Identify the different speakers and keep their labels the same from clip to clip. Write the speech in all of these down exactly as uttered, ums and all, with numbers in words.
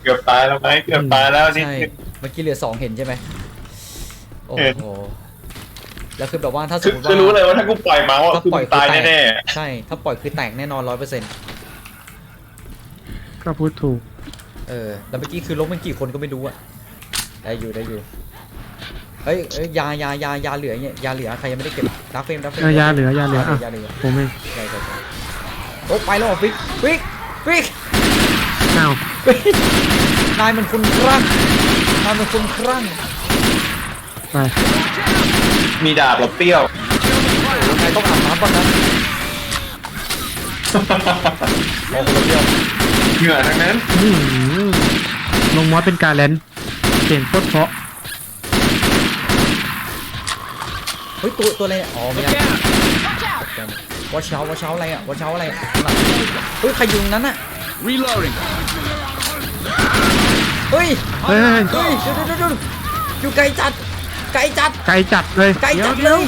Speaker 1: กือบตายแล้วไหมเกือบตายแล้วนิด
Speaker 2: ใช่
Speaker 1: นึง
Speaker 2: เมื่อกี้เหลือสองเห็นใช่ไหมโอ้
Speaker 1: เห็น
Speaker 2: โหแล้วคือแบบว่าถ้าส
Speaker 1: คื
Speaker 2: ม
Speaker 1: อ
Speaker 2: มติ
Speaker 1: คือ
Speaker 2: ว่า
Speaker 1: รู้เลยว่าถ้ากูปล่อยเมาส์อะ
Speaker 2: ถ้า
Speaker 1: คือ
Speaker 2: ปล่อย
Speaker 1: มึงตาย
Speaker 2: คือแตก
Speaker 1: แน่
Speaker 2: ใช่ถ้าปล่อยคือแตกแน่นอนร้อยเปอร์เซ็นต์
Speaker 3: ก็พูดถูก
Speaker 2: เออแล้วเมื่อกี้คือล้มเป็นกี่คนก็ไม่รู้อะได้อยู่ได้อยู่เฮ้ยเอ้ยยายายายาเหลือเนี่ยยาเหลือใครยังไม่ได้เก็บดักเฟรมดักเฟรม
Speaker 3: เออยาเหลือยาเหลืออ่ะ
Speaker 2: ยาเหลือ
Speaker 3: ผมเอง
Speaker 2: ใช่ใช่ใช่โอ้ไปแล้วเหรอฟิกฟิกฟิก
Speaker 3: อ้าว
Speaker 2: ฟิกนายมันคนครั่งนายมันคนครั่ง
Speaker 3: ไป
Speaker 1: ๆมีดาบหรอเปรี้ยว
Speaker 2: นายต้องอาบน้ำก่อนนะโอ้โหเดียว
Speaker 1: เหงื่อทั้งนั้น
Speaker 3: อื้อหือลงมอสเป็นการแลนเสียงโคตรเพราะ
Speaker 2: เฮ้ยตัวตัวอะไรเนี่ยอ๋อไม่ได้วอชเชาวอชเชาอะไรอะวอชเชาอะไรอะข้างหลังเฮ้ยใครอยู่ตรงนั้นอะ
Speaker 4: Reloading.
Speaker 2: เฮ้ย
Speaker 3: เฮ้ย
Speaker 2: เฮ้ยเดี๋ยวเดี๋ยวเดี๋ยวอยู่ไกลจัดไกลจัด
Speaker 3: ไกลจัดเลย
Speaker 2: ไกลจัดเลย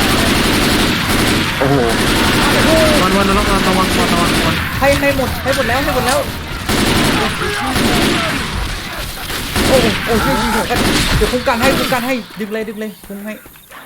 Speaker 1: โอ้โห
Speaker 3: วันวันระวังระวังระวังระวังระวัง
Speaker 2: ให้ให้หมดให้หมดแล้วให้หมดแล้วโอ้โหโอ้โหช่วยยิงหัวกันเดี๋ยวคุ้มกันให้คุ้มกันให้ดึงเลยดึงเลยคุ้มให้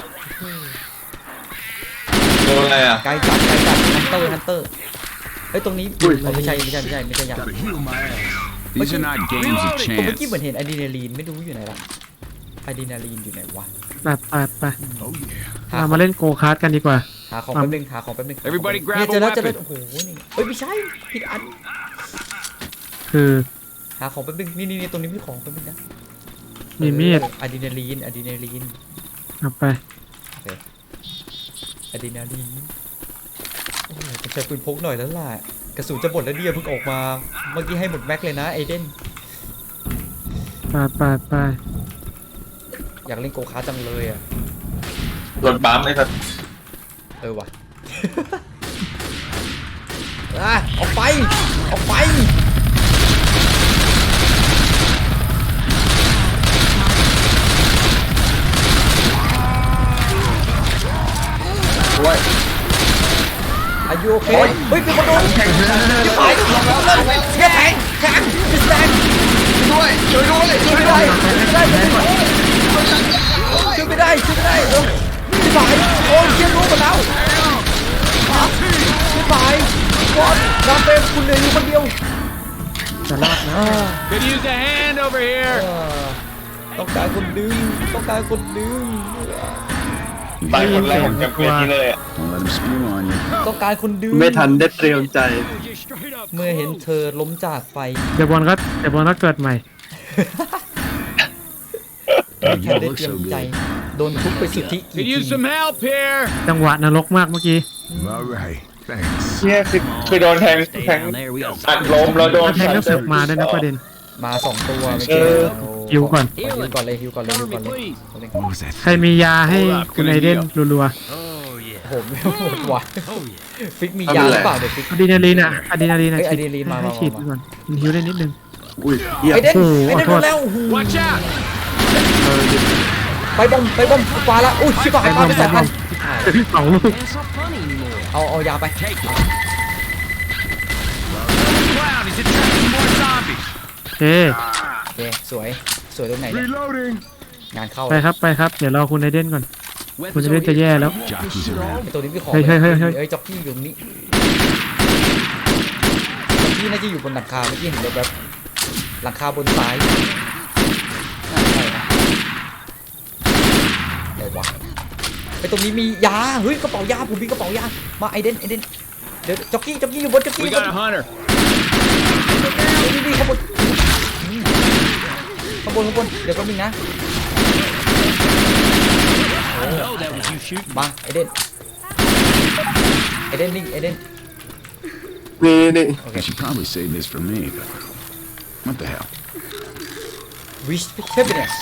Speaker 1: โดนอะไรอ่ะ
Speaker 2: ไกลจัดไกลจัดฮันเตอร์ฮันเตอร์เฮ้ยตรงนี้อ๋อไม่ใช่ไม่ใช่ไม่ใช่ไม่ใช่ยา
Speaker 4: Gotta heal my ass. These are not games of
Speaker 2: ตัวเมื่อกี้
Speaker 4: chance.
Speaker 2: เหมือนเห็นอะดรีนาลีนไม่รู้อยู่ไหนละอะดรีนาลีนอยู่ไหนวะ
Speaker 3: ไปไปไป
Speaker 4: Oh yeah.
Speaker 2: หา
Speaker 3: เรามาเล่นโกคาร์ดกันดีกว่า
Speaker 2: หาของแป๊บนึงหาของแป๊บนึง
Speaker 4: Everybody grab
Speaker 2: เนี่ย
Speaker 4: a
Speaker 2: เจอแล้วเจอแล้ว
Speaker 4: weapon
Speaker 2: โอ้โหนี่เฮ้ยไม่ใช่ผิดอัน
Speaker 3: คือ
Speaker 2: หาของแป๊บนึงนี่นี่นี่ตรงนี้มีของแป๊บนึงนะ
Speaker 3: มีมีด
Speaker 2: อะดรีนาลีนอะดรีนาลีน
Speaker 3: เอาไป
Speaker 2: อะดรีนาลีนโอ้โหต้องใช้ปืนพกหน่อยแล้วล่ะกระสุนจะหมดแล้วเดียเพิ่งออกมาเมื่อกี้ให้หมดแม็กเลยนะไอเดน
Speaker 3: ไปไปไป
Speaker 2: อยากเล่นโกคาร์ทจังเลยอ่ะ
Speaker 1: รถบัมไอ้สัส
Speaker 2: เออว่ะ อ่ะออกไปออกไป
Speaker 1: ด้วย
Speaker 2: อายุโอเคเฮ้ยเป็นคนโดนจะไปลงแล้วเสียแทงแทงแทง
Speaker 1: ด้วยช่วยด้วยช่วย
Speaker 2: ไม่
Speaker 1: ด้
Speaker 2: ได้
Speaker 1: วย
Speaker 2: ไม่ได้ช่วยไม่ได้ช่วยไม่ได้เออจะไปโอ้ยเชี่ยรู้หมดแล้วจะไปวอดน้ำเต็มคุณเหลืออยู่คนเดียว
Speaker 3: จะรอดนะ
Speaker 4: Could use a hand over
Speaker 2: เอ
Speaker 4: here.
Speaker 2: อต้องการคนดึงต้องการคนดึง
Speaker 1: ตายคนแรกของแคมเปญนี้เลยอ่ะ
Speaker 4: Don't let him spew on you.
Speaker 2: ต้องการคนดึง
Speaker 5: ไม่ทันได้เตรียมใจ
Speaker 2: เมื่อเห็นเธอล้มจากไป
Speaker 3: เดี๋ยวบอลก็เดี๋ยวบอลก็เกิดใหม่
Speaker 2: แค่ได้เตรียมใจโดนทุบไปสุทธิกี่
Speaker 4: Could
Speaker 2: ที
Speaker 4: use some help here.
Speaker 3: จังหวะนรกมากเมื่อกี้
Speaker 4: All right. Thanks.
Speaker 1: เนี่ยคือคือโดนแทงแทงอัดล้มแล้วโดน
Speaker 3: แล้วแทงก็เสือกมาด้วยนะประเด็น
Speaker 2: มาสองตัวไม่
Speaker 1: เอ
Speaker 2: เจอ
Speaker 1: อ
Speaker 3: ฮิวก่อน
Speaker 2: ฮิวก่อนเลยฮิวก่อนเลยฮิวก่อนเลย
Speaker 4: What was that?
Speaker 3: ใครมียาให้คุณไอเดนรัว
Speaker 2: ผมไม่หมดว่ะฟิกมียาหรือเปล่าเดี๋ยวฟิก
Speaker 3: ๆอะดรีนาลีนอ่ะอะดรีนาลีนอ่ะ
Speaker 2: เอ้ย
Speaker 3: ฉีด
Speaker 2: อะดรีนาลีนมา
Speaker 3: ให้
Speaker 2: มา
Speaker 3: ฉีด
Speaker 2: มา
Speaker 3: ก่อนมันฮิวได้นิดนึง
Speaker 5: อุ้ยเหี้ย
Speaker 2: ไอเดน
Speaker 3: โอ้โห
Speaker 2: ไอเดน
Speaker 3: ขอโทษ
Speaker 2: โดนแล้วโอ้โห
Speaker 4: Watch out.
Speaker 2: ไปบอมไปบอมขวาละอุ้ยชิบหายปาไปสองพัน
Speaker 3: สองลูก
Speaker 2: เอาเอายาไป
Speaker 4: Clown, he's attracting more zombies.
Speaker 3: โอเค
Speaker 2: โอเคสวยสวยตรงไหนเนี่ย
Speaker 4: Reloading.
Speaker 2: งานเข้า
Speaker 3: ไปครับไปครับ เดี๋ยวรอคุณไอเดนก่อน คุณไอเดนจะแย่แล้ว
Speaker 4: Jockeys around.
Speaker 2: ไอตัวนี้พี่ขอ
Speaker 3: เฮ้ยเฮ้ยเฮ้ยเฮ้ย
Speaker 2: เอ้ยจ็อกกี้อยู่ตรงนี้จ็อกกี้น่าจะอยู่บนหลังคาเมื่อกี้เห็นแบบหลังคาบนซ้ายน่าใช่นะไหนวะไอตรงนี้มียาเฮ้ยกระเป๋ายาผมมีกระเป๋ายามาไอเดนไอเดนเดี๋ยวจ็อกกี้จ็อกกี้อยู่บนจ็อกกี้
Speaker 4: We
Speaker 2: อยู่บ
Speaker 4: got
Speaker 2: น
Speaker 4: a hunter.
Speaker 2: นี่นี่ข้างบนข้างบนข้างบนเดี๋ยวก็มีนะมาไอเดนไอเดนนิ่งไอเดน
Speaker 5: นี่นี่
Speaker 4: I should probably save this for me, but what the hell?
Speaker 2: wish happiness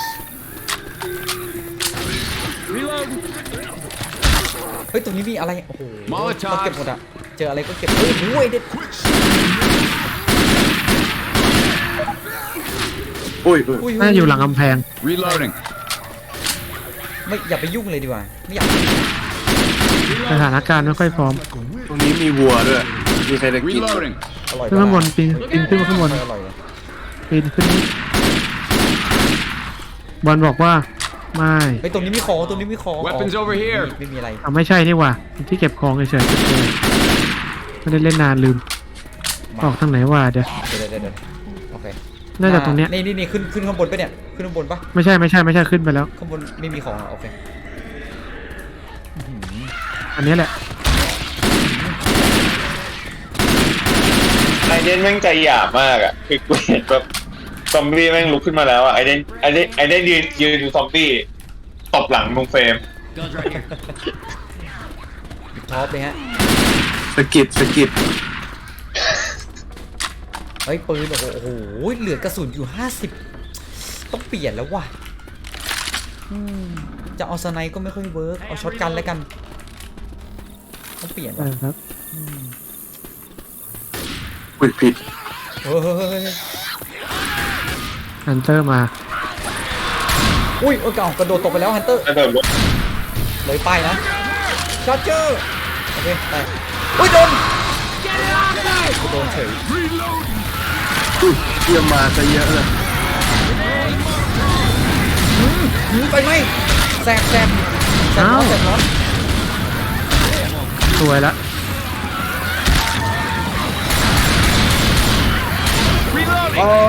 Speaker 4: Reload.
Speaker 2: เฮ้ยตรงนี้มีอะไรโอ้โห
Speaker 4: Molotov
Speaker 2: เราเก็บหมดอะเจออะไรก็เก็บเฮ้ยโอ้ยไอเดน
Speaker 5: อุ้ยอุ้ย
Speaker 2: อุ้ย
Speaker 3: น่าอยู่หลังกำแพง
Speaker 4: Reloading.
Speaker 2: ไม่อย่าไปยุ่งเลยดีกว่าไม่อยาก
Speaker 3: สถานการณ์ไม่ค่อยพร้อม
Speaker 5: ตรงนี้มีวัวด้วย มีใครจะกิน
Speaker 4: Reloading.
Speaker 2: อร่อย
Speaker 3: ขึ้นข้างบนปีนปีนขึ้นมาข้างบน
Speaker 2: อร่อยเลย
Speaker 3: ปีนขึ้นนี่บอลบอกว่าไม่
Speaker 2: เฮ้ยตรงนี้มีของตรงนี้มีของ
Speaker 1: Weapons over here
Speaker 2: ไม่มีอะไร
Speaker 3: อ่ะไม่ใช่นี่หว่าที่เก็บของเฉยๆไม่ได้เล่นนานลืมออกทางไหนวะเดี๋ยว
Speaker 2: เดี๋ยวเดี๋ยวเดี๋ยวโอเค
Speaker 3: น่าจะตรงเนี้ย
Speaker 2: นี่นี่นี่ขึ้นขึ้นข้างบนปะเนี่ยขึ้นข้างบนปะ
Speaker 3: ไม่ใช่ไม่ใช่ไม่ใช่ขึ้นไปแล้ว
Speaker 2: ข้างบนไม่มีของเหรอโอเค
Speaker 3: อันนี้แหละ
Speaker 1: ไอเดนแม่งใจหยาบมากอ่ะคือกูเห็นแบบซอมบี้แม่งลุกขึ้นมาแล้วอ่ะไอเดนไอเดนไอเดนยืนยืนดูซอมบี้ตบหลังลุงเฟรม
Speaker 2: ท็อปเลยฮะ
Speaker 5: สะกิดสะกิด
Speaker 2: เฮ้ยปืนโอ้โหโอ้โหเหลือกระสุนอยู่ห้าสิบต้องเปลี่ยนแล้วว่ะอืมจะเอาสไนก็ไม่ค่อยเวิร์กเอาช็อตกันแล้วกันต้องเปลี่ยน
Speaker 3: ใช่
Speaker 2: ว่ะ
Speaker 3: ครับ
Speaker 5: อุ้ยผิด
Speaker 2: เฮ้ย
Speaker 3: ฮันเตอร์มา
Speaker 2: อุ้ยโอ้ยเก่ากระโดดตกไปแล้วฮันเตอร์
Speaker 1: กระโดดลง
Speaker 2: เลยป้ายนะชาร์เจอร์โอเคไปอุ้ยโดนโดนเฉย
Speaker 5: อุ้ยเยี่ยมมาซะเยอะเลย
Speaker 2: หนีไปไหมแสบแสบแสบร้อนแสบร้อน
Speaker 3: สวยละ
Speaker 5: อ๋อ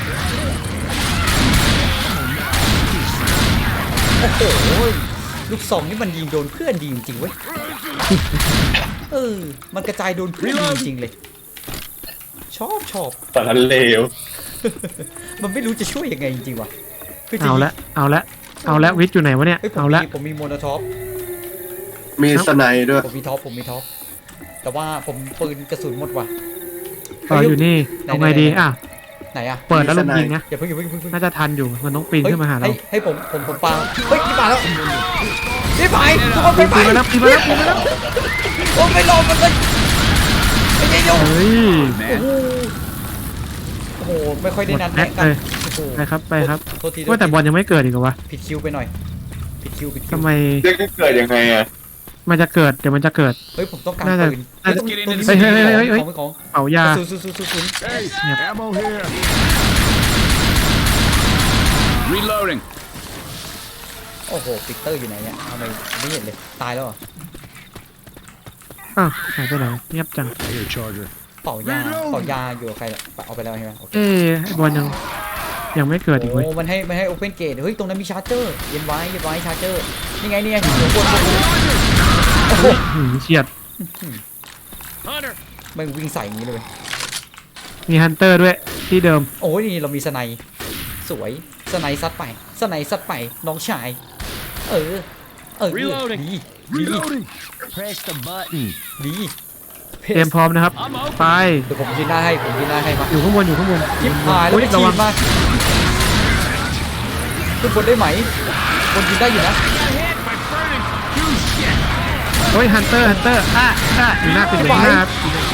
Speaker 2: โอ้โหลูกซองนี่มันยิงโดนเพื่อนดีจริงๆเว้ยเออมันกระจายโดนเพื่อนดีจริงๆเลยชอบชอบ
Speaker 1: สารเลว
Speaker 2: มันไม่รู้จะช่วยยังไงจริงๆว่ะคือจริ
Speaker 3: เอา
Speaker 2: ง
Speaker 3: ละเอาละเอาละวิทย์อยู่ไหนวะเนี่ย
Speaker 2: เฮ้ยผม
Speaker 3: เอาละ
Speaker 2: มีผมมีโมโนท็อป
Speaker 5: มีสไนด้วย
Speaker 2: ผมมีท็อปผมมีท็อปแต่ว่าผมปืนกระสุนหมดว่ะ
Speaker 3: ต่ออยู่นี่
Speaker 2: ไหน
Speaker 3: เอาไงดี
Speaker 2: ไหน
Speaker 3: อ่ะ
Speaker 2: ไหนอะ
Speaker 3: เปิดแล้วลงยิงนะ
Speaker 2: อย่าเพิ่งอย่าเพิ่งอย่าเพิ่ง
Speaker 3: น่าจะทันอยู่มันต้องปีนขึ้นมาหาเรา
Speaker 2: ให้ให้ผมผมผมปาเฮ้ยนี่มาแล้วนี่ไปทุกคนไปไป
Speaker 3: ปีนมาแล้วปีนมาแล้วปีนมาแล้ว
Speaker 2: โอ้ไม่รอมันเลยไอ้เหี้ยโย
Speaker 3: เฮ้ย
Speaker 2: โอ้โหโอ้โหไม่ค่อยได้นัด
Speaker 3: หมดแม็
Speaker 2: แนะ
Speaker 3: ก
Speaker 2: กัน
Speaker 3: เลย
Speaker 2: โอ้โห
Speaker 3: ไปครับไปครับ
Speaker 2: โทษที
Speaker 3: ว่าแต่บอลยังไม่เกิดอีกเหรอวะ
Speaker 2: ผิดคิวไปหน่อยผิดคิวผิดคิว
Speaker 3: ทำไม
Speaker 1: เด็กกูเกิดยังไงอ่ะ
Speaker 3: มันจะเกิดเดี๋ยวมันจะเกิด
Speaker 2: เฮ้ยผมต้องการ
Speaker 3: น่าจะ
Speaker 2: ปืน
Speaker 3: น่าจะ
Speaker 2: เฮ้ยตรงนี้
Speaker 3: เฮ้ยเฮ้ยเฮ้ยเฮ้ยเฮ้ย
Speaker 2: ของของ
Speaker 3: เป่ายา
Speaker 2: ศูนย์ศูนย์ศูนย์ศูนย์ศูนย์
Speaker 4: Ammo here. Reloading.
Speaker 2: โอ้โหปิกเตอร์อยู่ไหนเนี่ยทำไมไม่เห็นเลยตายแล้วเหรอ
Speaker 3: อ้าวหายไปไหนเงียบจัง
Speaker 4: Here, Charger.
Speaker 2: เป่ายาเป่ายาอยู่กับใครล่ะเอาไปแล้วใช่ไหมโอเค
Speaker 3: เอ๊ะไอ้บอลยังยังไม่เกิดอีกเว้ย
Speaker 2: โอ้มันให้มันให้โอเพนเกตเฮ้ยตรงนั้นมีชาร์เจอร์เย็นไว้เย็นไว้ชาร์เจอร์นี่ไงนี่ไงอยู่บนบนโอ้โห
Speaker 3: หืมเฉียด
Speaker 2: แม่งวิ่งใส่อย่างนี้เลย
Speaker 3: มีฮันเตอร์ด้วยที่เดิม
Speaker 2: โอ้ยนี่เรามีสไนด์สวยสไนด์ซัดไปสไนด์ซัดไปน้องชายเออเออดีดี
Speaker 6: Press the button.
Speaker 2: ดี
Speaker 3: เตรียมพร้อมนะครับ ไป
Speaker 2: เดี๋ยวผมยิงหน้าให้ผมยิงหน้าให้มา
Speaker 3: อยู่ข้างบนอยู่ข้างบน
Speaker 2: ทิปหายแล้ว
Speaker 3: อุ๊ย
Speaker 2: ไม่
Speaker 3: ระ
Speaker 2: ที
Speaker 3: วั
Speaker 2: ม
Speaker 3: ง
Speaker 2: มาขึ้นบนได้ไหมบนยิงได้อยู่นะ
Speaker 3: เฮ้ยฮันเตอร์ฮันเตอร์อ่ะอ่ะอยู่หน้าปิดเลยหน้าครับ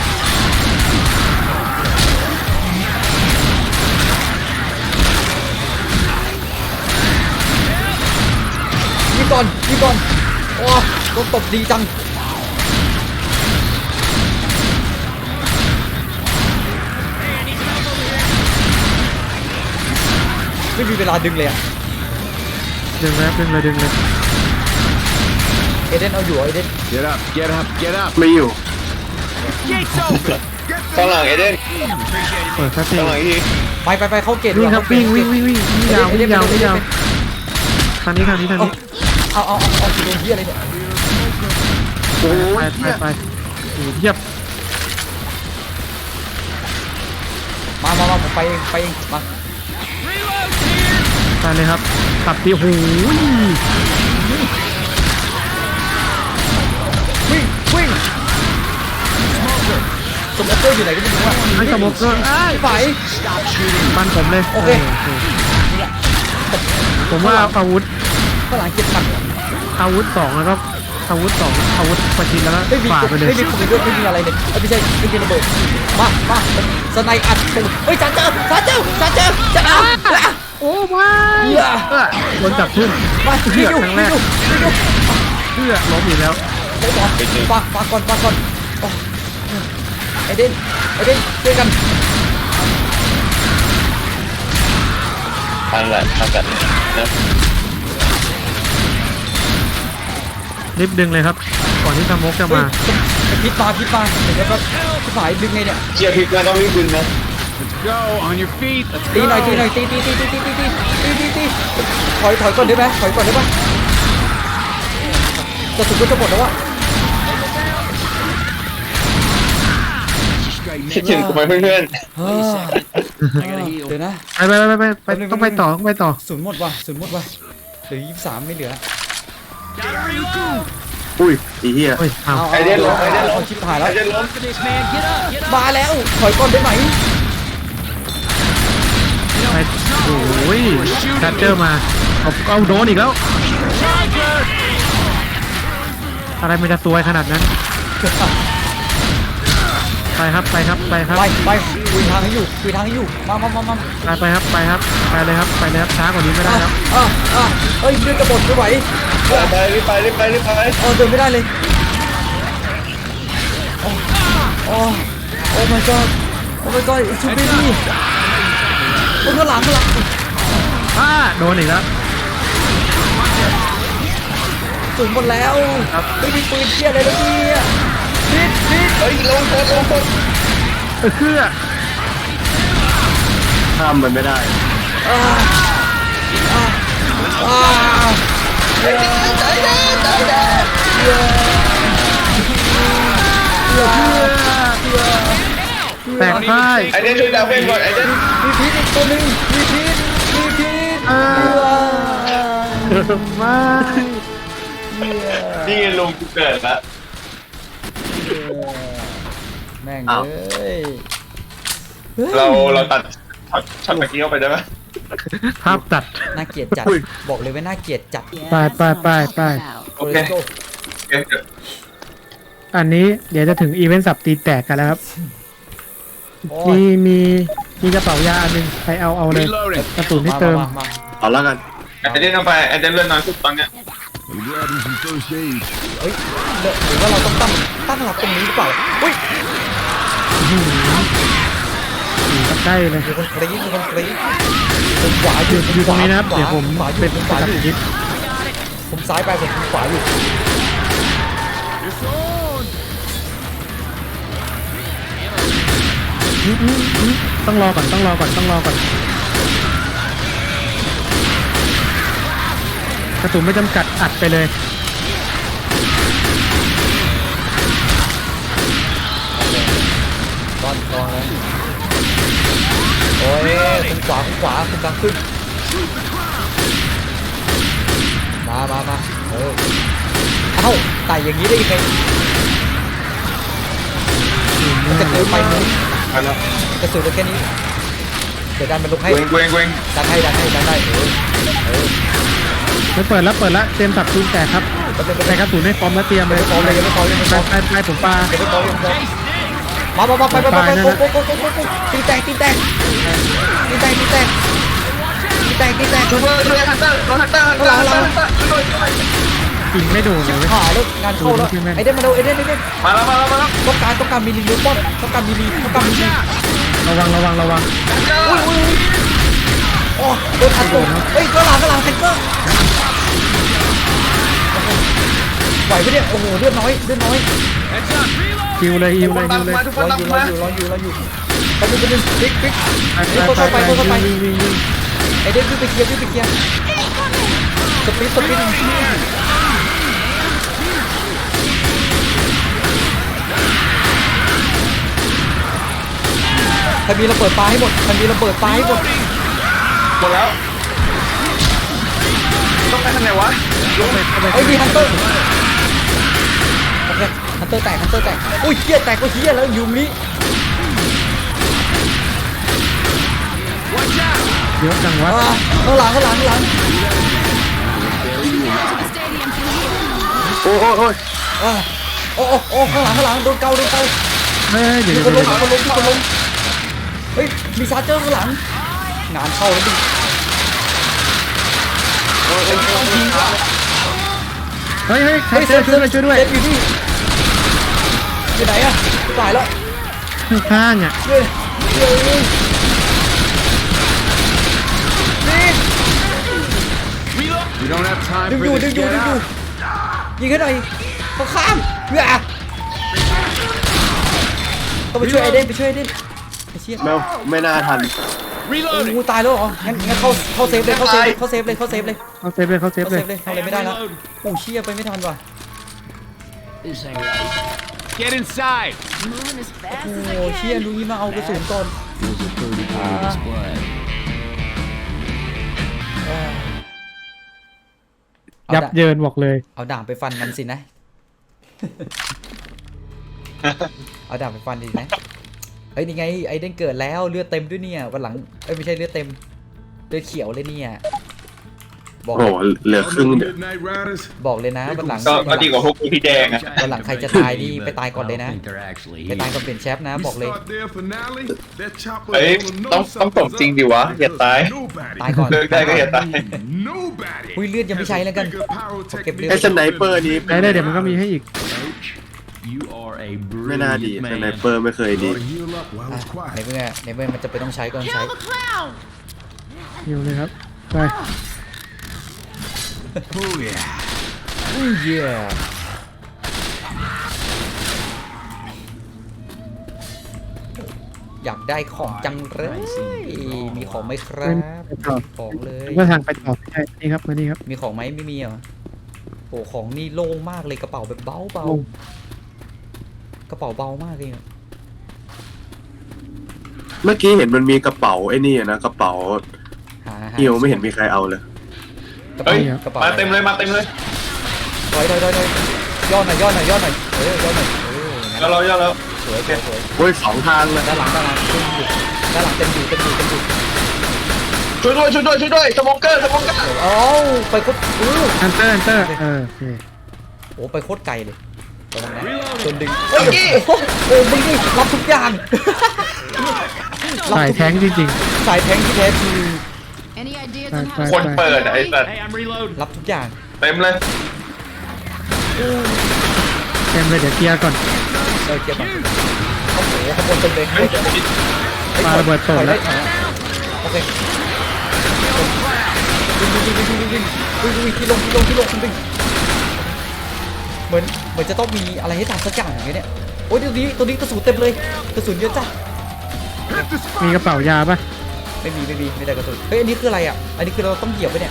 Speaker 2: ยิงก่อนยิงก่อนโอ้โดนตบดีจังไม่มีเวลาดึงเลยอะ
Speaker 3: ดึงเลยครับดึงเลยดึงเลย
Speaker 2: เอเดนเอาอยู่เหรอเอเดน
Speaker 4: Get up, get up, get up.
Speaker 5: ไม่อยู่
Speaker 1: ข้างหลังเอเดน
Speaker 3: เปิดครับพี่
Speaker 1: ข้างหลังอีกที
Speaker 2: ไปไปไปเข้าเกต
Speaker 3: วิ่งครับ
Speaker 2: เข้าเก
Speaker 3: วิ่
Speaker 2: ต
Speaker 3: งวิ่งวิ่งวิ่งวิ่งยาววิ่งยาววิ่งยาวทางนี้ทางนี้ทางนี้
Speaker 2: เอาเอาเอาเอาโดนเฮียอะไรเนี่ย
Speaker 5: โอ้
Speaker 3: ไป
Speaker 5: ย
Speaker 3: ไปไปโอ้โหเทียบ
Speaker 2: มามามาผมไปเองไปเองมา
Speaker 3: ไปเลยครับขับตีหูย
Speaker 2: วิ่งวิ่งสมอเกอร์อยู่ไหนก็ไม่รู้อะ
Speaker 3: ไอ้สมบก็ไอ้
Speaker 2: ไป
Speaker 3: ปันผมเลย
Speaker 2: โอเค
Speaker 3: ผมว่าอาวุธ
Speaker 2: ฝรั่งเก็บหนัก
Speaker 3: อาวุธสองแล้วก็อาวุธสองอาวุธประชิดแล้วก็
Speaker 2: ไม่มี
Speaker 3: ฝ่าไปเลย
Speaker 2: ไม่มีปืนด้วยไม่มีอะไรเลยไม่ใช่ไม่มีระเบิดมามาสไนอัดตูดเฮ้ยชาร์เจอร์ชาร์เจอร์ชาร์เจอร์จะเอา
Speaker 3: โอ้ไม่
Speaker 2: เหี้ย
Speaker 3: เออโดนจับทุ่ม
Speaker 2: มา
Speaker 3: เพื่
Speaker 2: พี่
Speaker 3: อ
Speaker 2: ดู
Speaker 3: ครั้งแร
Speaker 2: พี่
Speaker 3: ก
Speaker 2: ดูพี่ดู
Speaker 3: เพื่อล้มอีกแล้ว
Speaker 2: โอ้โหฝากฝากก่อนฝากก่อนโอ้ไอเดนไอเดนช่วยกัน
Speaker 1: ทันแหละทันแหละนะ
Speaker 3: รีบดึงเลยครับ ก่อนที่สโมกจะ
Speaker 2: เฮ้ย
Speaker 3: มา
Speaker 2: พิษมาพิษมาเดี๋ยวก็พี่ฝ่ายดึงไงเนี่ย
Speaker 1: เชียร์พิกนะต้องรีบดึงนะ
Speaker 4: Let's go. On your feet. Let's
Speaker 2: ตีหน่อย
Speaker 4: go.
Speaker 2: ตีหน่อยตีตีตีตีตีตีตีตีตีถอยถอยก่อนได้ไหมถอยก่อนได้ปะกระสุนก็จะหมดแล้ววะ
Speaker 1: คิดถึงกูไหมเพื่อน
Speaker 2: เฮ้ยเดี๋ยวนะ
Speaker 3: ไปไปไปไปไปต้องไปต่อต้องไปต่อ
Speaker 2: ศูนย์หมดว่ะศูนย์หมดว่ะเหลือยี่สิบสามไม่เหลือ
Speaker 5: อุ้ยไอ้เหี้ย
Speaker 3: เฮ้ยเอา
Speaker 2: เอา
Speaker 1: ไอเดนล้มไอเดนล้
Speaker 2: เอา
Speaker 1: ม
Speaker 2: ชิบหาย
Speaker 1: ไอ
Speaker 2: แล้ว
Speaker 1: เดนล้ม
Speaker 6: This man, get up, get up.
Speaker 2: มาแล้วถอยก่อนได้ไหม
Speaker 3: ไปโอ้ยชาร์เจอร์มาเอาเอาโดนอีกแล้ว อะไรมันจะซวยขนาดนั้น ไปครับไปครับไปครับ
Speaker 2: ไปไปคุยทางให้อยู่คุยทางให้อยู่มามามามา
Speaker 3: ไปไปครับไปครับไปเลยครับไปเลยครับช้ากว่านี้ไม่ได้ครับ
Speaker 2: อ่ะอ่ะเอ้ยเลือดกระบดไม่ไหว
Speaker 1: ไปรีบไปรีบไปรีบไป
Speaker 2: เออเดินไม่ได้เลยโอ้โอ้โอ้ my god โอ้ my god ชูบีดีโอ้ข้างหลังข้างหลัง
Speaker 3: อ้าโดนอีกแล้ว
Speaker 2: สูงหมดแล้วไม่มีปืนเชี่ยอะไรแล้วเนี่ยพิษพิษ
Speaker 1: เฮ้ยลงคนลงคน
Speaker 3: เออคือ
Speaker 5: ข้ามมันไม่ได้
Speaker 2: อ่าอ่าอ่า
Speaker 3: แตกพ่าย
Speaker 1: ไอเดนช่วยดาวเพ่งก่อนไอเดน
Speaker 2: มีพิษอีกตัวหนึงมีพิษมีพิษ
Speaker 3: อ่า ไม่
Speaker 1: นี่ลุงกูเกิดละ
Speaker 2: แม่ง
Speaker 5: อ้าว
Speaker 2: เอ้ย
Speaker 1: เราเราตัดช็อตช็อตเมื่อกี้เข้าไปได้ไหม
Speaker 3: ภาพตัด
Speaker 2: น่าเกลียดจัดบอกเลยว่าน่าเกลียดจัด
Speaker 3: ไปไปไปไป
Speaker 1: โอเค
Speaker 2: Let's go
Speaker 1: โอเค
Speaker 3: อันนี้เดี๋ยวจะถึงอีเวนต์สับตีแตกกันแล้วครับ
Speaker 2: โอ้
Speaker 3: มี
Speaker 2: ย
Speaker 3: มีมีกระเป๋ายาอันหนึงใครเอาเอาเลย
Speaker 4: Reloading.
Speaker 3: กระสุนที่เติม
Speaker 2: มามา
Speaker 5: เอาแล้วกัน
Speaker 1: ไอเดนเอาไปไอเดนเลื่อนน้อยสุดตอนเนี้ย
Speaker 4: I'm grabbing some first aid.
Speaker 2: เฮ้ยเดี๋ยวหรือว่าเราต้องตั้งตั้งหลักตรงนี้หรือเปล่าอุ้ย
Speaker 3: อยู่ใกล้เลย
Speaker 2: มีคนกรี๊ดมีคนกรี๊ดผมขวาอยู่
Speaker 3: อยู่ตรงนี้นะครับ
Speaker 2: ขวา
Speaker 3: เดี๋ยวผม
Speaker 2: ขวาอยู่
Speaker 3: เป็น
Speaker 2: ผมข
Speaker 3: ตั
Speaker 2: วา
Speaker 3: ด
Speaker 2: อยู่
Speaker 3: คลิป
Speaker 2: ผมซ้ายไปผมขวาอยู่
Speaker 3: อื้ออื้ออื้อต้องรอก่อนต้องรอก่อนต้องรอก่อนกระสุนไม่จำกัดอัดไปเลย
Speaker 2: ก้อนกองเลยโอ้ยคุณขวาคุณขวาคุณกลางขึ้นมามามาเออเอ้าไต่อย่างนี้ได้ยังไงมันจะเกินไปไหม
Speaker 1: ไปแล้ว
Speaker 2: กระสุนเหลือแค่นี้เดี๋ยวดันมันลงให้
Speaker 1: เวงเวงเวง
Speaker 2: ดันให้ดันให้ดันได้เออเออ
Speaker 3: ไม่เปิดแล้วเปิดแล้วเตรียมสับตูนแตกครับ
Speaker 2: แป๊บนึงแป๊บ
Speaker 3: ใส่
Speaker 2: นึง
Speaker 3: กระสุนให้พร้อมแล้วเตรียมเลย
Speaker 2: ยังไม่พร้อมเลยยังไม่พร้อมยังไม่พ
Speaker 3: ไป
Speaker 2: ร้อม
Speaker 3: ไปไปผมปา
Speaker 2: ยังไม่พร้อมยังไม่พร้อมมามามาไปไปไปไปโกโกโกโกโกโกตีแตกตีแตกตีแตกตีแตกตีแตกตีแตก
Speaker 1: ช่วยช่วยฮันเตอร์ฮันเตอร์ฮันเตอร์ฮันเตอร์ฮันเตอร์ช่วยช่วย
Speaker 3: ยิงไม่โดนเลย
Speaker 2: หายแล้วงานเข้าแล้วไอเดนมาดูไอเดนไอเดน
Speaker 1: มาแล้วมาแล้วมาแล้ว
Speaker 2: ต้องการต้องการมิลลิลิป้อนต้องการมิลลิต้องการมิลลิ
Speaker 3: ระวังระวังระวัง
Speaker 2: อุ้ยอุ้ยอุ้ยโอ้โดนทันตัวเฮ้ยก็หลังก็หลังแทงเกอร์ไหวปะเนี่ยโอ้โหเลือดน้อยเลือดน้อย
Speaker 3: ฮิวเลยฮิวเลยฮิวเลย
Speaker 1: มาทุกค
Speaker 2: ร
Speaker 1: น
Speaker 2: อ
Speaker 1: ตาม
Speaker 2: อยู่ร
Speaker 1: มา
Speaker 2: ออยู่รออยู่รออยู่ไปดูไปดูปิ๊กปิ๊ก
Speaker 3: ไป
Speaker 2: เฮ้ย
Speaker 3: ไป
Speaker 2: เข้า
Speaker 3: ไป
Speaker 2: ไปเข้าไป
Speaker 3: ยิงยิงยิง
Speaker 2: ไอเดนขึ้นไปเคลียร์ขึ้นไปเคลียร์สปีดสปีดใครมีระเบิดปลาให้หมดใครมีระเบิดปลาให้หมด
Speaker 1: หมดแล้วต้องไปทางไหนวะ
Speaker 2: ไอ้ยมีฮันเตอร์โอเคฮันเตอร์แตกฮันเตอร์แตกอุ้ยเฮียแตกก็เฮียแล้วยูมิ
Speaker 3: เยอะจังวะ
Speaker 2: อ่าข้างหลังข้างหลังข้างหลัง
Speaker 5: โอ้โอ้โอ้ย
Speaker 2: อ่าโอ้โอ้โอ้ข้างหลังข้างหลังโดนเกาโดนเกา
Speaker 3: เฮ้ยเดี๋ยว
Speaker 2: มี
Speaker 3: เดี๋ยว
Speaker 2: คนล
Speaker 3: เดี๋
Speaker 2: ง
Speaker 3: ยว
Speaker 2: มีคนลงมีคนลงเฮ้ยมีซาร์เจอร์ข้างหลังงานเข้าแล้วดิ
Speaker 3: เฮ้ยเฮ้ยใครเจอช่วยด้วยช่วยด้วย
Speaker 2: เซฟอยู่นี่อยู่ไหนอะตายแล้ว
Speaker 3: ข้างๆอ่ะ
Speaker 2: เฮ้ยเฮ้ยนี่
Speaker 5: time
Speaker 2: ดึง
Speaker 5: for
Speaker 2: อยู่
Speaker 5: this
Speaker 2: ดึงอยู่
Speaker 5: get
Speaker 2: ดึงอยู่
Speaker 5: out.
Speaker 2: ยิงให้หน่อยเขาข้ามเฮ้ยต้องไปช่วยไอเดนไปช่วยไอเดนไอ้เชี่ย
Speaker 5: ไม่ไม่น่าทัน
Speaker 6: Reloading.
Speaker 2: โอ้ตายแล้วเหรองั้นงั้นเข้าเข้าเซฟเลยเข้าเซฟเลยเข้าเซฟเลยเข้าเซฟเลย
Speaker 3: เขาเซฟเลยเขาเซฟ
Speaker 2: เข้า
Speaker 3: เล
Speaker 2: เซ
Speaker 3: ย
Speaker 2: ฟเลยทำอะไรไม่ได้แล้วโอ้เชี่ยไปไม่ทันว่ะ
Speaker 6: This ain't right.
Speaker 5: Get inside.
Speaker 7: Moving as fast
Speaker 2: โอ้
Speaker 7: as I
Speaker 2: เชี่ย
Speaker 7: can.
Speaker 2: ลุยมาเอากระสุนก่อน
Speaker 6: Feels a thirty-three display.
Speaker 2: เอา
Speaker 3: ยับ
Speaker 2: ดาบ
Speaker 3: เยินบอกเลย
Speaker 2: เอาดาบไปฟันมันสินะ เอาดาบไปฟันดินะเฮ้ยนี่ไงไอเดนเกิดแล้วเลือดเต็มด้วยเนี่ยวันหลังเอ้ยไม่ใช่เลือดเต็มเลือดเขียวเลยเนี่ยบอก
Speaker 5: โอ้โหเหลือครึ่งเดียว
Speaker 4: Midnight Riders.
Speaker 2: บอกเลยนะวันหลัง
Speaker 1: ก็ก็ดีกว่าพวกกูที่แดงอะ
Speaker 2: วันหลังใครจะตายนี่ไปตายก่อนเลย
Speaker 6: I
Speaker 2: นะ
Speaker 6: don't think they're actually
Speaker 2: ไปตาย
Speaker 6: here.
Speaker 2: ก่อนเปลี่ยนแชปนะ
Speaker 4: We
Speaker 2: บอกเลย
Speaker 4: start their finale. That chopper
Speaker 1: เอ้ย
Speaker 4: gonna
Speaker 1: ต้อง
Speaker 4: know
Speaker 1: ต้องสม
Speaker 4: something's
Speaker 1: จริง
Speaker 4: up
Speaker 1: ดิวะ อย่า
Speaker 4: because
Speaker 1: ตาย
Speaker 4: nobody,
Speaker 2: ตายก่อน
Speaker 1: เลิกได้ก็อย่าตาย
Speaker 4: nobody
Speaker 2: อุ้ยเลือดยังไม่ใช้แล้วกัน
Speaker 4: has a bigger pyrotechnic
Speaker 2: เก็บเลือด
Speaker 5: ไอ้สไนเปอร์นี้
Speaker 3: ได้ได้เดี๋ยวมันก็มีให้อีก
Speaker 6: Coach, you are a
Speaker 5: ไม่น่าดี
Speaker 6: brilliant
Speaker 5: สไน
Speaker 6: man.
Speaker 5: เปอร์ไม่เคยดี
Speaker 4: Ought to heal up while
Speaker 2: อ่ะ
Speaker 4: it's quiet.
Speaker 2: ในเมื่อในเมื่อมันจะไปต้องใช้ก็ต้องใช้
Speaker 7: Kill the clown!
Speaker 3: อยู่เลยครับ ไป
Speaker 4: Oh yeah.
Speaker 2: อุ้ยเหี้ยอยากได้ของจังเลยมีของไหมครับ
Speaker 3: ไปต่อ
Speaker 2: ของเลย
Speaker 3: ก็ทางไปต่อใช่นี่ครับมานี่ครับ
Speaker 2: มีของไหมไม่มีเหรอโอ้ของนี่โล่งมากเลยกระเป๋าแบบเบาเบา
Speaker 3: โล่ง
Speaker 2: กระเป๋าเบามากเลยอะ
Speaker 5: เมื่อกี้เห็นมันมีกระเป๋าไอ้นี่อะนะกระเป๋า
Speaker 2: หาหา
Speaker 5: ฮิวไม่เห็นมีใครเอาเลย
Speaker 2: กระเป๋า
Speaker 1: เฮ้ย
Speaker 2: กระเป๋า
Speaker 1: มาเต็มเลยมาเต็มเลย
Speaker 2: ถอยถอยถอยถอยย่อหน่อยย่อหน่อยย่อหน่อยเออย่อหน่อยเอองั้น
Speaker 1: แล้วเราแล้วเรา
Speaker 2: สวยสวยสวย
Speaker 5: โอ้ยสองทางเลย
Speaker 2: ด้านหลังด้านหลังเต็มอยู่ด้านหลังเต็มอยู่เต็มอยู่เต็มอยู่
Speaker 1: ช่วยด้วยช่วยด้วยช่วยด้วยสโมเกอร์สโมเกอร์
Speaker 2: เอ้าไปโคตรอู้
Speaker 3: อันเตอร์อันเตอร์เออโอเค
Speaker 2: โอ้ไปโคตรไกลเลยระวังนะโดนดึง
Speaker 1: เมื่อกี้
Speaker 2: โอ้โหมึงนี่รับทุกอย่าง
Speaker 3: สายแท้งจริง
Speaker 2: สายแทงที่แท้จริง
Speaker 7: Any ideas
Speaker 3: Bye,
Speaker 7: on how
Speaker 3: bye,
Speaker 1: คนเปิดอะไอ้สัตว์
Speaker 6: Hey, I'm reloading.
Speaker 2: รับทุกอย่าง
Speaker 1: เต็มเลย
Speaker 3: ๆเต็มเลยเดี๋ยวเคลียร์ก่อน
Speaker 2: เออเก็บก่อนโอ้โหขบวนเต็มเลย
Speaker 1: เฮ้ย
Speaker 3: ปาระเบิดตกแล้ว
Speaker 2: ถอยได้ถอยได้โอเควิ่งวิ่งวิ่งวิ่งวิ่งวิ่งวิ่งวิ่งที่ลงที่ลงที่ลงวิ่งเหมือนเหมือนจะต้องมีอะไรให้ทำสักอย่างอย่างเงี้ยเนี่ยโอ้ยตัวนี้ตัวนี้กระสุนเต็มเลยกระสุนเยอะจ้ะ
Speaker 3: มีกระเป๋ายาปะ
Speaker 2: ไม่มีไม่มีไม่ได้กระสุนเฮ้ยอันนี้คืออะไรอ่ะอันนี้คือเราต้องเหยียบไปเนี่ย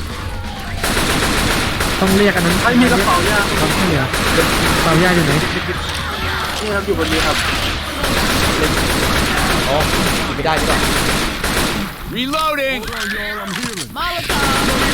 Speaker 3: ต้องเรียกอันนั้น
Speaker 5: ไอ้มีกระเป๋ายา
Speaker 3: ความช่วยเหลือกระเป๋ายาอยู่ไหน
Speaker 5: นี่ครับอยู่บนนี้ครับ
Speaker 2: อ๋อหยิบไม่ได้ดีกว่า
Speaker 5: Reloading
Speaker 7: Molotov!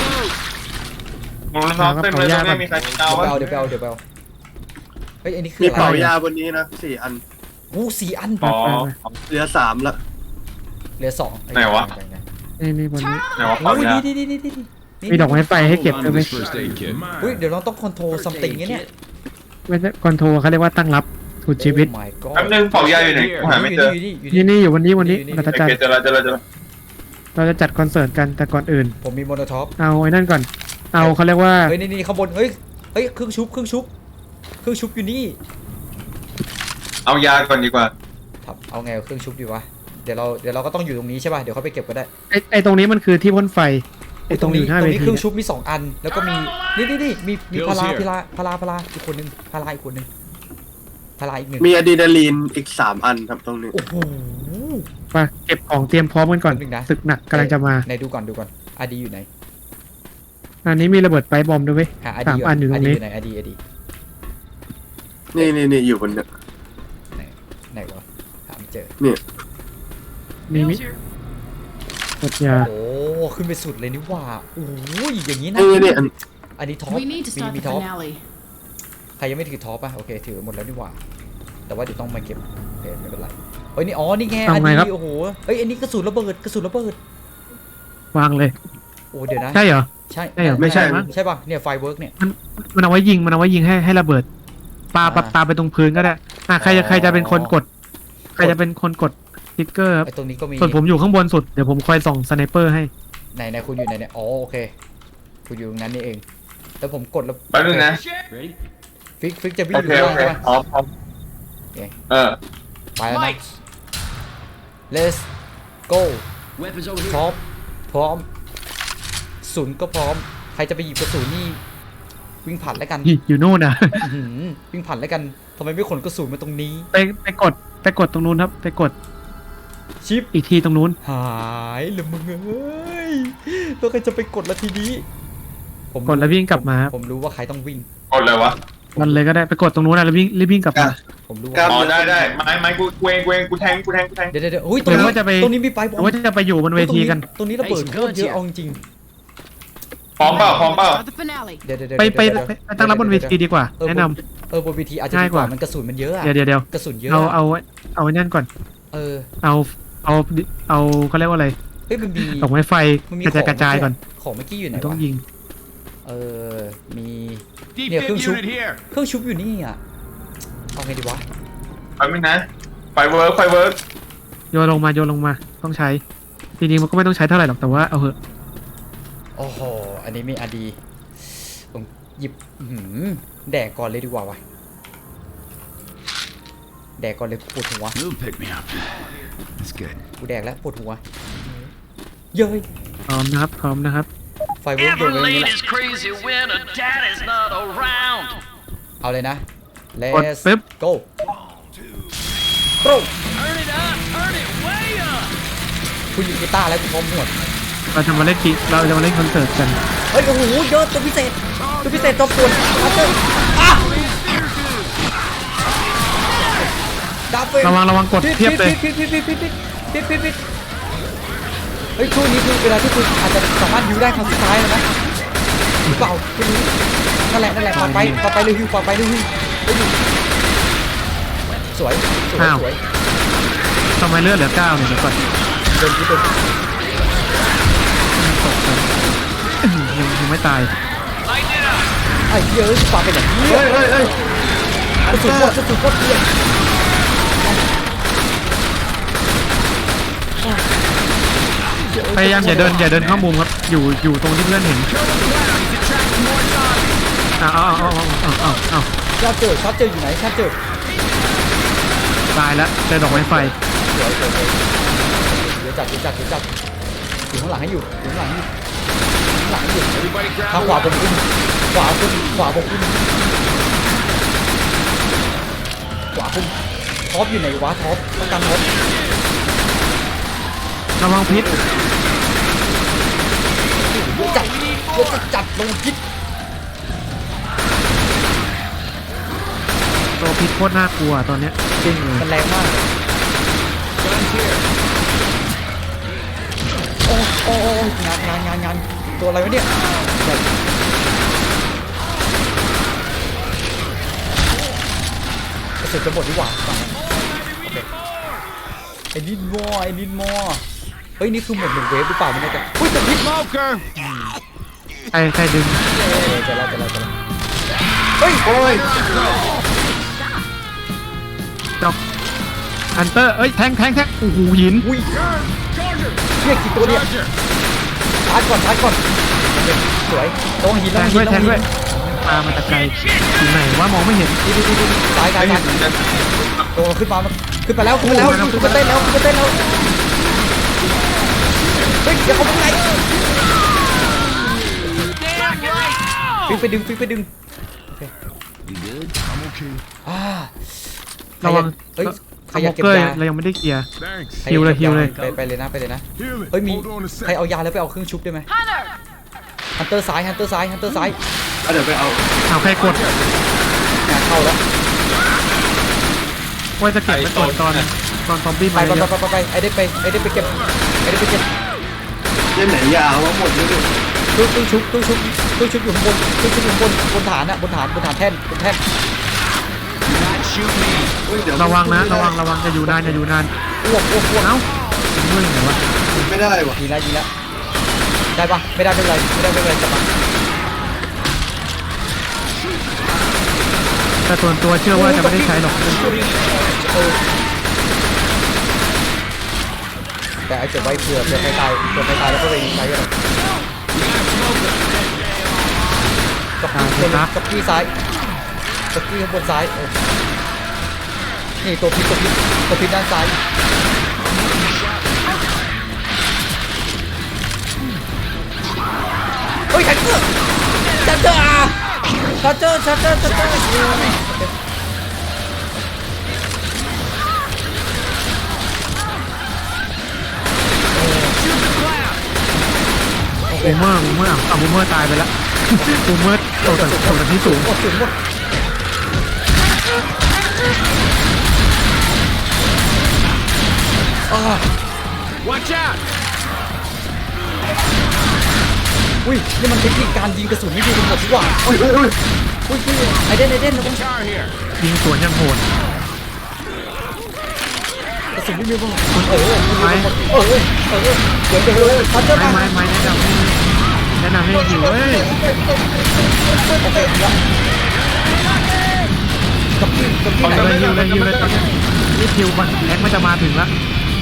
Speaker 1: มูลน้องเต็มเลยตรงนี้มีใครเอา
Speaker 2: เดี๋ยว
Speaker 1: วะ
Speaker 2: ไปเอาเดี๋ยวไปเอาเดี๋ยวไปเอาเฮ้ยอันนี้คือ
Speaker 5: มี
Speaker 2: อะ
Speaker 5: กระเป๋า
Speaker 2: ไร
Speaker 5: ยาบนนี้นะสี่อัน
Speaker 2: อู้สี่อัน
Speaker 1: อ๋อ
Speaker 5: เหลือสามละ
Speaker 2: เหลือสอง
Speaker 1: ไหนวะ
Speaker 3: นี่นี่บนนี้
Speaker 1: ไหนวะเป่า
Speaker 2: อุ้ย
Speaker 1: ยา
Speaker 2: นี่นี่นี่นี่นี่
Speaker 3: มีดอกไม้ไฟให้เก็บ
Speaker 4: Hold
Speaker 3: ด้วย
Speaker 4: on
Speaker 3: ไหม
Speaker 4: to this first aid kit.
Speaker 2: อุ้ยเดี๋ยวเราต้องคอนโทรลซัมติงเนี่ย
Speaker 3: ไม่ใช่คอนโทรเขาเรียกว่าตั้งรับสุดชีวิต
Speaker 2: โอ้ my god
Speaker 1: แป๊บนึงเป่ายาอยู่ไหนกูหาไม่เจอ
Speaker 2: อยู่นี่อยู่
Speaker 3: นี่
Speaker 2: นี่
Speaker 3: นี่อยู่วันนี้วันนี้
Speaker 2: นี่
Speaker 3: เรา
Speaker 1: โอ
Speaker 3: จะจัด
Speaker 1: เคเจอแล้วเจอแล้วเจอแล้ว
Speaker 3: เราจะจัดคอนเสิร์ตกันแต่ก่อนอื่น
Speaker 2: ผมมีโมโนท็อป
Speaker 3: เอาไอ้นั่นก่อน เอาเขาเรียกว่า
Speaker 2: เฮ้ยนี่นี่ข้างบนเฮ้ยเฮ้ยเครื่องชุบเครื่องชุบเครื่องชุบอยู่นี่
Speaker 1: เอายาก่อนดีกว่า
Speaker 2: ครับเอาไงกับเครื่องชุบดีวะเดี๋ยวเราเดี๋ยวเราก็ต้องอยู่ตรงนี้ใช่ป่ะเดี๋ยวเขาไปเก็บก็ได้
Speaker 3: ไอ้ไอ้ตรงนี้มันคือที่พ่นไฟไอ้ตรงอยู่หน้า
Speaker 2: ตร
Speaker 3: เว
Speaker 2: งนี้
Speaker 3: ที
Speaker 2: เครื่อง
Speaker 3: เนี่ย
Speaker 2: ชุบมีสองอัน แล้วก็มีนี่นี่นี่มีมี
Speaker 4: Bill's
Speaker 2: พารา
Speaker 4: here
Speaker 2: พาราพาราพาราอีกคนนึงพาราอีกคนนึงพาราอีกหนึ่ง
Speaker 5: มีอะดรีนาลีนอีกสามอันครับตรงนี้
Speaker 2: โอ้โห
Speaker 3: ไปเก็บของเตรียมพร้อมกันก่อน
Speaker 2: แป๊บนึงนะ
Speaker 3: ศึกหนักกำลังจะมา
Speaker 2: ไหนดูก่อนดูก่อนอาดีอยู่ไหน
Speaker 3: อันนี้มีระเบิดไปบอมด้วยเว้ย
Speaker 2: หาอา
Speaker 3: สา
Speaker 2: ดี
Speaker 3: มอันอยู่ตรงนี้
Speaker 2: ไหนอาดีอาดี
Speaker 5: นี่นี่นี่อยู่บนเนี่ย
Speaker 2: ไหนไหนวะหาไม่เจอ
Speaker 3: มีมิกดยา
Speaker 2: โอ้ขึ้นไปสุดเลยนี่หว่าโอ้ยอย่างนี้นะ
Speaker 5: นี่นี่อัน
Speaker 2: อันนี้ท็อป
Speaker 7: We need to
Speaker 2: มี
Speaker 7: start
Speaker 2: มี
Speaker 7: the
Speaker 2: ท็อป
Speaker 7: finale.
Speaker 2: ใครยังไม่ถือท็อปอ่ะโอเคถือหมดแล้วนี่หว่า แต่ว่าเดี๋ยวต้องมาเก็บโอเคไม่เป็นไรเฮ้ยนี่อ๋อนี่ไงอันนี้โอ้โหเฮ้ยอันนี้กระสุนระเบิดกระสุนระเบิด
Speaker 3: วางเลย
Speaker 2: โอ้เดี๋ยวนะ
Speaker 3: ใช่เหรอ
Speaker 2: ใช่
Speaker 3: ใช่เหรอ
Speaker 5: ไม่ใช่
Speaker 3: มั้ง
Speaker 2: ใช่ป่ะเนี่ยไฟเวิร์กเนี่ย
Speaker 3: มันมันเอาไว้ยิงมันเอาไว้ยิงให้ให้ระเบิดปา
Speaker 2: อ่า
Speaker 3: ปาปาไปตรงพื้นก็ได้อ่ะใครจะ
Speaker 2: อ๋อ
Speaker 3: ใครจะเป็นคนกด ใครจะเป็นคนกดสติ๊กเกอร์ครับ
Speaker 2: ไอ้ตรงนี้ก็มี
Speaker 3: ส่วนผมอยู่ข้างบนสุดเดี๋ยวผมคอยส่องสไนเปอร์ให้
Speaker 2: ไหนไหนคุณอยู่ไหนเนี่ยอ๋อโอเคคุณอยู่ตรงนั้นนี่เองแล้วผมกดแล้ว
Speaker 1: แป๊บนึงนะ
Speaker 6: Ready?
Speaker 2: ฟิกฟิกจะวิ่ง
Speaker 1: โอ
Speaker 2: อยู่
Speaker 1: เค
Speaker 2: ข้าง
Speaker 1: โอ
Speaker 2: ล่าง
Speaker 1: เค
Speaker 2: ใช่ป่ะ
Speaker 1: พร้อมพร้อม
Speaker 2: โอเค
Speaker 1: เออ
Speaker 2: ไปแล้วนะ
Speaker 6: Lights.
Speaker 2: let's go
Speaker 6: Weapons over here.
Speaker 2: พร้อมพร้อมศูนย์ก็พร้อมรจะไปหยิบกระสุนนี่วิ่งผ่านแล้วกัน
Speaker 3: นี่อยู่นู่นอ่ะ
Speaker 2: อื้อหือวิ่งผ่านแล้วกันทำไมไม่ขนกระสุนมาตรงนี้
Speaker 3: ไปไปกดไปกดตรงนู้นครับ ไปกด
Speaker 2: ชิป
Speaker 3: อีกทีตรงนู้น
Speaker 2: หายเลยมึงเอ้ยแล้วใครจะไปกดละทีนี้ผม
Speaker 3: กดแล้ววิ่งกลับมา
Speaker 2: ผมรู้ว่าใครต้องวิ่ง
Speaker 1: กดเลยวะ
Speaker 3: มันเลยก็ได้ไปกดตรงนู้นนะแล้ววิ่งรีบวิ่งกลับมา
Speaker 2: ผมรู้
Speaker 5: ครั
Speaker 2: ว่า
Speaker 5: บ
Speaker 1: อ๋อได้ได้ไม้ไม้กูกูเองกูเองกูแทงกูแทงกูแทง
Speaker 2: เดี๋ยวเดี๋ยวเดี๋ยวอุ้ยตรง
Speaker 3: หรือ
Speaker 2: นี้
Speaker 3: ว่าจะไป
Speaker 2: ตรงนี้มีไปบ
Speaker 3: ห
Speaker 2: อ
Speaker 3: รือ
Speaker 2: ล
Speaker 3: ว่าจะไปอยู่บนเวทีกัน
Speaker 2: ตรงนี้ระเบิดโคตรเยอะเอาจริง
Speaker 1: พร้อมเปล่าพร้อมเปล่า
Speaker 7: For the finale.
Speaker 2: ๆเดี๋ยวเดี๋ยวเดี๋ยว
Speaker 3: ไปไป
Speaker 2: เดี๋ยว
Speaker 3: ไปไปตั้งรับบนเวทีดีกว่า
Speaker 2: เออ
Speaker 3: แนะนำ
Speaker 2: เออบนเวทีอาจจะ
Speaker 3: ง่า
Speaker 2: ดี
Speaker 3: ย
Speaker 2: ก
Speaker 3: ก
Speaker 2: ว่า
Speaker 3: ว่า
Speaker 2: มันกระสุนมันเยอะอะ
Speaker 3: เดี๋ยวเดี๋ยวเดี๋ยว
Speaker 2: กระสุนเยอะ
Speaker 3: เอา
Speaker 2: อะ
Speaker 3: เอาเอาไอ้นั่นก่อน
Speaker 2: เออ
Speaker 3: เอาเอาเอาเขาเรียกว่าอะไร
Speaker 2: เฮ้ยมันมี
Speaker 3: ดอกไม้ไฟ
Speaker 2: มันมี
Speaker 3: กระจายกระจายก่อน
Speaker 2: ของเมื่อกี้อยู่ไหน
Speaker 3: ต้อง
Speaker 2: วะ
Speaker 3: ยิง
Speaker 2: เออมี
Speaker 6: Deep
Speaker 2: Yeah,
Speaker 6: fib
Speaker 2: keung shu.
Speaker 6: unit here.
Speaker 2: เครื่องชุบอยู่นี่อ่ะเอาไงดีวะ
Speaker 1: ไปไหมนะไฟเวิร์กไฟเวิร์ก
Speaker 3: โยนลงมาโยนลงมาต้องใช้ทีนี้มันก็ไม่ต้องใช้เท่าไหร่หรอกแต่ว่าเอาเหอะ
Speaker 2: โอ้โหอันนี้ไม่อดีผมหยิบอื้อหือแดกก่อนเลยดีกว่าวะแดกก่อนเลยปวดหัว
Speaker 4: You'll pick me up. That's good.
Speaker 2: กูแดกแล้วปวดหัวเย้ย
Speaker 3: พร้อมนะครับพร้อมนะครับ
Speaker 2: ไฟเวิร์กโดนเลยนี่แหละ
Speaker 6: crazy when a dad is not around.
Speaker 2: เอาเลยนะ
Speaker 3: กด
Speaker 2: let's
Speaker 3: ปึ๊บ
Speaker 2: go go
Speaker 6: Turn it up, turn it way up.
Speaker 2: คุณหยิบกีตาร์แล้วคุณพร้อมหมด
Speaker 3: เราจะมาเล่นกิเราจะมาเล่นคอนเสิร์ตกัน
Speaker 2: เฮ้ยโอ้โหเยอะตัวพิเศษตัวพิเศษตัวป่วนอัพเตอร์อ่ะดับเบิล
Speaker 3: ระวังระวังกดเทียบเลย
Speaker 2: ปิดปิดปิดปิดปิดปิดปิดปิดเฮ้ยช่วงนี้คือเวลาที่คุณอาจจะสามารถฮิวได้ครั้งสุดท้ายแล้วนะหรือเปล่าคุณรู้นั่นแหละนั่นแหละปาไปปาไปเลยฮิวปาไปเลยฮิวเฮ้ยสวยสวยสวย
Speaker 3: ทำไมเลือดเหลือเก้าเนี่ยเดี๋ยวก่อน
Speaker 2: โดนพิษโดนพิษ
Speaker 3: ตกกันยังยังไม่ตาย
Speaker 2: ไอ้เหี้ยเอะปาไปไหน
Speaker 5: เฮ้ยเฮ้ยเฮ้ย
Speaker 2: กระสุนหมดกระสุนหมดเพื่อน
Speaker 3: พยายามอย่าเดินอย่าเดินเข้ามุมครับอยู่อยู่ตรงที่เพื่อนเห็นเอาเอาเอาเอาเอาเอา
Speaker 2: ชาร์เจอร์ชาร์เจอร์อยู่ไหนชาร์เจอร์
Speaker 3: ตายแล้วเจอดอกไม้ไฟ
Speaker 2: สวยสวยสวยเดี๋ยวจับเดี๋ยวจับเดี๋ยวจับอยู่ข้างหลังให้อยู่อยู่ข้างหลังให้อยู่ข้างหลังให้อยู่
Speaker 6: Everybody grab
Speaker 2: ทางขวาบนขึ้นขวาขึ้นขวาบนขึ้นขวาขึ้นท็อปอยู่ไหนวะท็อปต้องการท็อประ
Speaker 3: วังพิษ
Speaker 2: เดี๋ยวจัดเดี๋ยวจะจัดลงพิษ
Speaker 3: ตัวพิษโคตรน่ากลัวตอนเนี้ย
Speaker 2: จริงมันแรงมากโอ้โอ้โอ้งานงานงานงานตัวอะไรวะเนี่ยกระสุนจะหมดดีกว่าฝั่งนั้นโอเคไอ้นิดมอไอ้นิดมอเฮ้ยนี่คือหมดหนึ่งเวฟหรือเปล่าไม่แน่ใจอุ้ยแต่พิษ
Speaker 6: Smoker.
Speaker 3: ใครใครดึง
Speaker 2: เออจะแล้วจะแล้วจะแล้วเฮ้ย
Speaker 5: โอ้ย
Speaker 3: ดอกฮันเตอร์เอ้ยแทงแทงแทงโอ้โหหิน
Speaker 2: อุ้ยเนี่ยกี่ตัวเนี่ยชาร์จก่อนชาร์จก่อนโอเคสวยตรงหิน
Speaker 3: แท
Speaker 2: ตรง
Speaker 3: ง
Speaker 2: หิ
Speaker 3: ด้วน ย
Speaker 2: ต
Speaker 3: แท
Speaker 2: รง งหิ
Speaker 3: ด้วย
Speaker 2: น
Speaker 3: ปลามาตะไกลอยู่ไหนว่ามองไม่เห็น
Speaker 2: ดีดีดีดีซ้ายซ้ายซ้ายตัวขึ้นมาขึ้นไปแล้วขึ้นไปแล้วขึ้นมาเต้นแล้วขึ้นมาเต้นแล้วเฮ้ยเดี๋ยวเขาเป็นไงฟิกไปดึงฟิกไปดึง
Speaker 4: You good? I'm okay.
Speaker 2: อ่า
Speaker 3: ระวัง
Speaker 2: เฮ้ย
Speaker 3: ส
Speaker 2: ใครอ
Speaker 3: โม
Speaker 2: ยาก
Speaker 3: ก
Speaker 2: เก็บ
Speaker 3: เกอร์
Speaker 2: ยา
Speaker 3: เรายังไม่ได้เคลียร์
Speaker 4: Thanks.
Speaker 2: ใคร
Speaker 3: ฮิวเลย
Speaker 2: ก็บ
Speaker 3: ฮิวเลย
Speaker 2: ไปไปเลยนะไปเลยนะ
Speaker 4: Heal it.
Speaker 2: เฮ้ยมี
Speaker 4: Hold on a
Speaker 2: ใคร
Speaker 4: sec.
Speaker 2: เอายาแล้วไปเอาเครื่องชุบได้ไหมฮันเตอร์ซ้ายฮันเตอร์ซ้ายฮันเตอร์ซ้าย
Speaker 5: เอาเดี๋ยวไปเอา
Speaker 3: เอาใครกด
Speaker 2: งานเข้าแล้ว
Speaker 3: ว่าจะเก็บไว้ก่อนตอนตอนซอมบี้
Speaker 2: ไป
Speaker 3: มา
Speaker 2: ไป
Speaker 3: เยอะ
Speaker 2: ไปไปไปไอ้ได้ไปไอ้ได้ไปเก็บไอ้ได้ไปเก็บ
Speaker 5: เล่นไหนยาวว่าหมดเลยดิ
Speaker 2: ตู้ตู้ชุบตู้ชุบตู้ชุบอยู่ข้างบนตู้ชุบอยู่ข้างบนบนฐานอะบนฐานบนฐานแท่นบนแท่น
Speaker 5: เฮ้ยเดี๋ยว
Speaker 3: ระวังนะระวังระวังจะอยู่นานจะอยู่นาน
Speaker 2: อ้วกอ้วกอ้วก
Speaker 3: เอ้าเมื่อยไหนวะ
Speaker 5: ไม่ได้ว่ะ
Speaker 2: ยิงแล้วยิงแล้วได้ปะไม่ได้ไม่เป็นไรไม่ได้ไม่เป็นไรจับมา
Speaker 3: แต่ส่วนตัวเชื่อว่าจะไม่ได้ใช้หรอก
Speaker 2: เออแต่ไอ้เก็บไว้เผื่อเผื่อใครตายเผื่อใครตายแล้วก็ไปใช้กันกับพี่คนกับพี่ซ้ายกับพี่ข้างบนซ้ายเออนี่ตัวพิษตัวพิษตัวพิษด้านซ้ายเฮ้ยแทงเกอร์ชาร์เจอร์ชาร์เจอร์ชาร์เจอร์
Speaker 3: บูมเมอร์บูมเมอร์อ่ะบูมเมอร์ตายไปแล้วบูมเมอร์ตกจากตกจากที่สูง
Speaker 2: โอ้ถึงหมดอ่า
Speaker 6: Watch out!
Speaker 2: อุ้ยนี่มันเทคนิคการยิงกระสุนไม่ดีกันหมดดีกว่าอุ้ยอุ้ยอุ้ยอุ้ยอุ้ยไอเดนไอเดนนะ
Speaker 6: Car here.
Speaker 3: ยิงสวนยังโหด
Speaker 2: กระสุนไม่มีบ้างเออเออเออเออเดี๋ยวเดี๋ยวชาร์เจอร์
Speaker 3: ไม่
Speaker 2: มา
Speaker 3: ไม่ไม่แนะนำให้แนะนำให้อยู่เว้ย
Speaker 2: โอเคแล้วกับพี่กับพี่ไหน
Speaker 3: เลยยิวเลยยิวเลยตอนนี้นี่คิวมันแม็กมันจะมาถึงแล้ว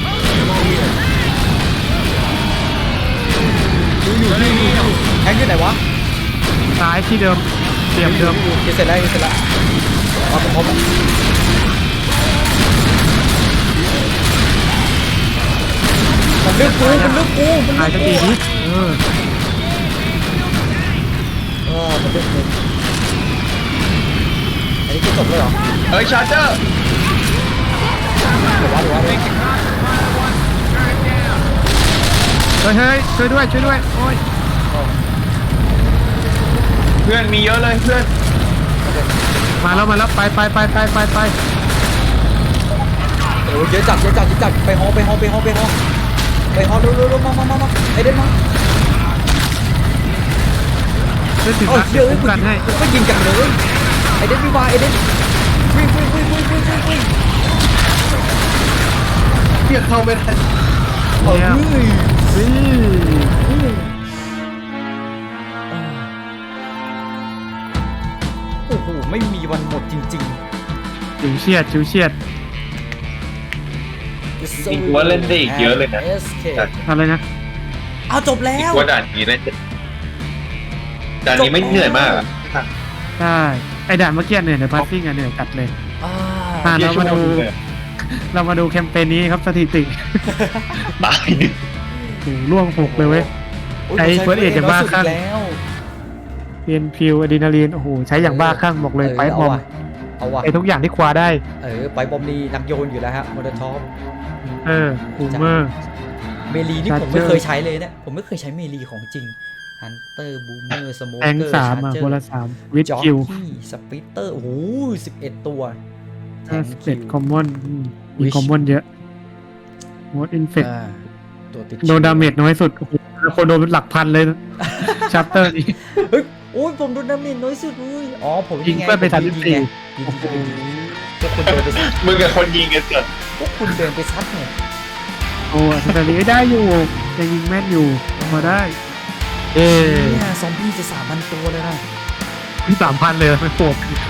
Speaker 2: แทงอยู่ไหนวะ
Speaker 3: ซ้ายที่เดิมเตรียมเดิม
Speaker 2: เสร็จแล้วเสร็จแล้วมาพร้อมๆมันเลือกกูมันเลือกกูมัน
Speaker 3: ตาย
Speaker 2: เลื
Speaker 3: จะ
Speaker 2: อก
Speaker 3: ตี
Speaker 2: กู
Speaker 3: นิดเออ
Speaker 2: เออมันเลือกกูอันนี้คือจบเลยเหรอ
Speaker 1: เฮ้ยชาร์เจอร์
Speaker 2: เดี๋ยววะเดี๋ยววะเดี๋ยววะ
Speaker 3: เฮ้ยเฮ้ยช่วยด้วยช่วยด้วยโอ้ย
Speaker 1: เพื่อนมีเยอะเลยเพื่อน
Speaker 3: มาแล้วมาแล้วไปไปไปไปไปไป
Speaker 2: โอ้ยเยอะจัดเยอะจัดเยอะจัดไปฮอไปฮอไปฮอไปฮอไปฮอเร็วเร็วเร็วมามามามาไอเดนมา
Speaker 3: ช่วยถึง
Speaker 2: เอ้า
Speaker 3: นะ
Speaker 2: เดี๋ยว
Speaker 3: คุ้มกันให้
Speaker 2: ก็ยิงกันเลยไอเดนมีวาไอเดนวิ่งวิ่งวิ่งวิ่งวิ่งวิ่งวิ่ง
Speaker 5: เพียกเข้าไม่ได้
Speaker 2: เฮ้ย
Speaker 3: นี่
Speaker 2: โอ้โหไม่มีวันหมดจริง
Speaker 3: จิวเชียดจิวเชียด
Speaker 2: ๆ
Speaker 1: จริงๆว่าเล่นได้อีกเยอะเลยนะ
Speaker 2: เอสเค
Speaker 3: อะไรนะ
Speaker 2: เอาจบแล้ว
Speaker 1: ว่าด่านนี้น่าจะด่านนี้ไม่เหนื่อยมากอะ
Speaker 3: ใช่ไอด่านเมื่อกี้เหนื่อยแต่พาสซิ่งอะเหนื่อยจัดเลย
Speaker 2: อ่า
Speaker 3: อ่ะเรามาดู
Speaker 1: เยอะ
Speaker 3: เรามาดูแคมเปญนี้ครับสถิติ
Speaker 1: ตายหนึ่ง
Speaker 3: โอ้โหร่วงหกเลยเว้ย
Speaker 2: โอ้ย
Speaker 3: ไอ้
Speaker 2: ผมใช้
Speaker 3: First Aid อย่างบ้าคลั่ง
Speaker 2: แล้ว
Speaker 3: เพียนพิวอะดรีนาลีนโอ้โหใช้อย่างบ้าคลั่งบอกเลยไปบอม
Speaker 2: เอาว่ะ
Speaker 3: ไอทุกอย่างที่คว้าได้
Speaker 2: เออไปบอมนี่นักโยนอยู่แล้วฮะมอเตอร์ท็อป
Speaker 3: เออบูมเมอร์
Speaker 2: เมลีนี่ผม
Speaker 3: Charger
Speaker 2: ไม่เคยใช้เลยเนี่ยผมไม่เคยใช้เมลีของจริงฮันเตอร์บูมเมอร์สโมเก
Speaker 3: แทง
Speaker 2: อร์
Speaker 3: สามอ่ะคนละสามวิด
Speaker 2: จ็อก
Speaker 3: คิว
Speaker 2: กี้สปิตเตอร์โอ้โหสิบเอ็ดตัวแทง
Speaker 3: เจ็ด
Speaker 2: คิว
Speaker 3: คอมมอนมี
Speaker 2: Wish
Speaker 3: คอมมอนเยอะมดอินเฟก
Speaker 2: อ่าตัวติด
Speaker 3: โดนดาเมจน้อยสุดโอ้โหคนโดนเป็นหลักพันเลยชัปเตอร์นี้
Speaker 2: เฮ้ยโอ้ยผมโดนดาเมจน้อยสุดเลยอ๋อผม
Speaker 3: ยิงเพื่อนไป
Speaker 2: ผม
Speaker 3: สามสิบสี่
Speaker 2: ยิงไงยิงยิงยิงพวกคุณเดินไปซัด
Speaker 1: มึงกับคนยิงกันเสร็จ
Speaker 2: พวกคุณเดินไปซัดไง
Speaker 3: โอ้สแตนลีย์ได้อยู่ยังยิงแม่นอยู่มาได้ เออ
Speaker 2: เนี่ยซอมบี้จะสามพันตัวเลยนะ
Speaker 3: ที่สามพันเลยไม่โหด